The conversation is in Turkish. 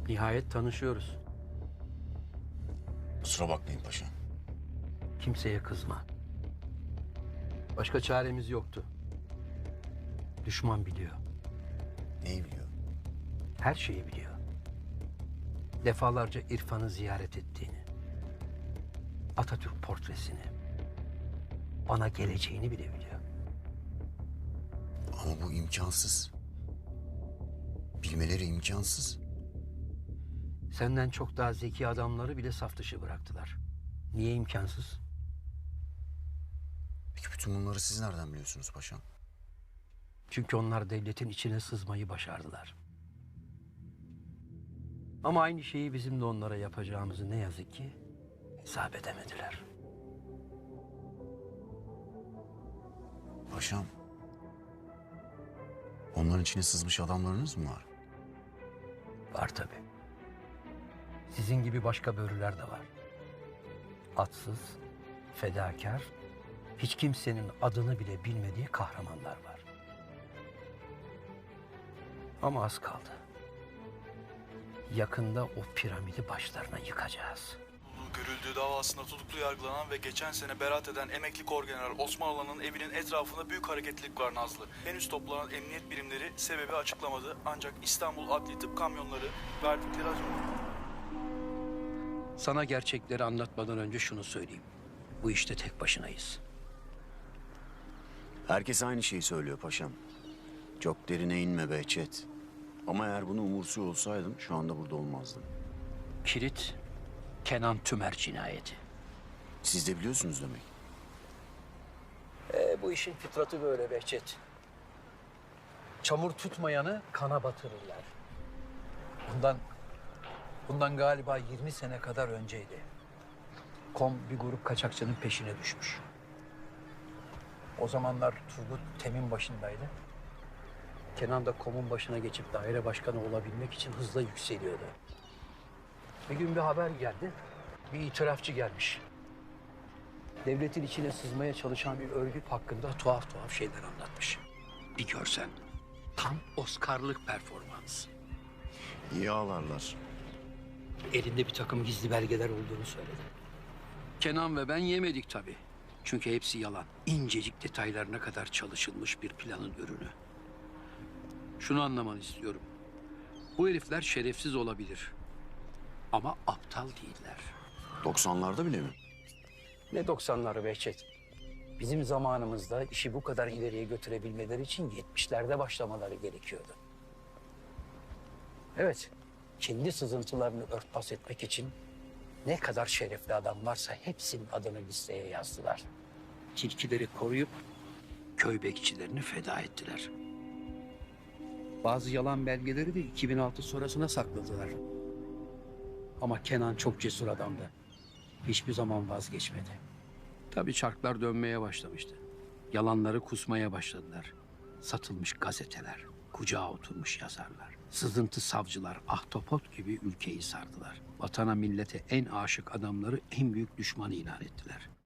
Nihayet tanışıyoruz. Kusura bakmayın paşam. Kimseye kızma. Başka çaremiz yoktu. Düşman biliyor. Neyi biliyor? Her şeyi biliyor. Defalarca İrfan'ı ziyaret ettiğini, Atatürk portresini, bana geleceğini bile biliyor. Ama bu imkansız. Bilmeleri imkansız. Senden çok daha zeki adamları bile saf dışı bıraktılar. Niye imkansız? Peki bütün bunları siz nereden biliyorsunuz paşam? Çünkü onlar devletin içine sızmayı başardılar. Ama aynı şeyi bizim de onlara yapacağımızı ne yazık ki hesap edemediler. Paşam, onların içine sızmış adamlarınız mı var? Var tabii. Sizin gibi başka börüler de var. Atsız, fedakar, hiç kimsenin adını bile bilmediği kahramanlar var. Ama az kaldı. Yakında o piramidi başlarına yıkacağız. Görüldüğü davasında tutuklu yargılanan ve geçen sene beraat eden emekli Korgeneral Osman Alan'ın evinin etrafında büyük hareketlilik var Nazlı. Henüz toplanan emniyet birimleri sebebi açıklamadı ancak İstanbul Adli Tıp kamyonları verdikleri Sana gerçekleri anlatmadan önce şunu söyleyeyim. Bu işte tek başınayız. Herkes aynı şeyi söylüyor paşam. Çok derine inme Behçet. Ama eğer bunu umursuyor olsaydım şu anda burada olmazdım. Kilit, Kenan Tümer cinayeti. Siz de biliyorsunuz demek. Bu işin fıtratı böyle Behçet. Çamur tutmayanı kana batırırlar. Bundan galiba 20 sene kadar önceydi. Kom bir grup kaçakçının peşine düşmüş. O zamanlar Turgut Tem'in başındaydı. Kenan da Kom'un başına geçip daire başkanı olabilmek için hızla yükseliyordu. Bir gün bir haber geldi. Bir itirafçı gelmiş. Devletin içine sızmaya çalışan bir örgüt hakkında tuhaf tuhaf şeyler anlatmış. Bir görsen. Tam Oscar'lık performans. İyi ağlarlar. Elinde bir takım gizli belgeler olduğunu söyledi. Kenan ve ben yemedik tabii. Çünkü hepsi yalan. İncecik detaylarına kadar çalışılmış bir planın ürünü. Şunu anlamanı istiyorum. Bu herifler şerefsiz olabilir. Ama aptal değiller. 90'larda bile mi? Ne 90'ları Behçet. Bizim zamanımızda işi bu kadar ileriye götürebilmeleri için 70'lerde başlamaları gerekiyordu. Evet, kendi sızıntılarını örtbas etmek için ne kadar şerefli adam varsa hepsinin adını listeye yazdılar. Tilkileri koruyup köy bekçilerini feda ettiler. Bazı yalan belgeleri de 2006 sonrasına sakladılar. Ama Kenan çok cesur adamdı. Hiçbir zaman vazgeçmedi. Tabii çarklar dönmeye başlamıştı. Yalanları kusmaya başladılar. Satılmış gazeteler, kucağa oturmuş yazarlar, sızıntı savcılar ahtapot gibi ülkeyi sardılar. Vatana millete en aşık adamları en büyük düşman ilan ettiler.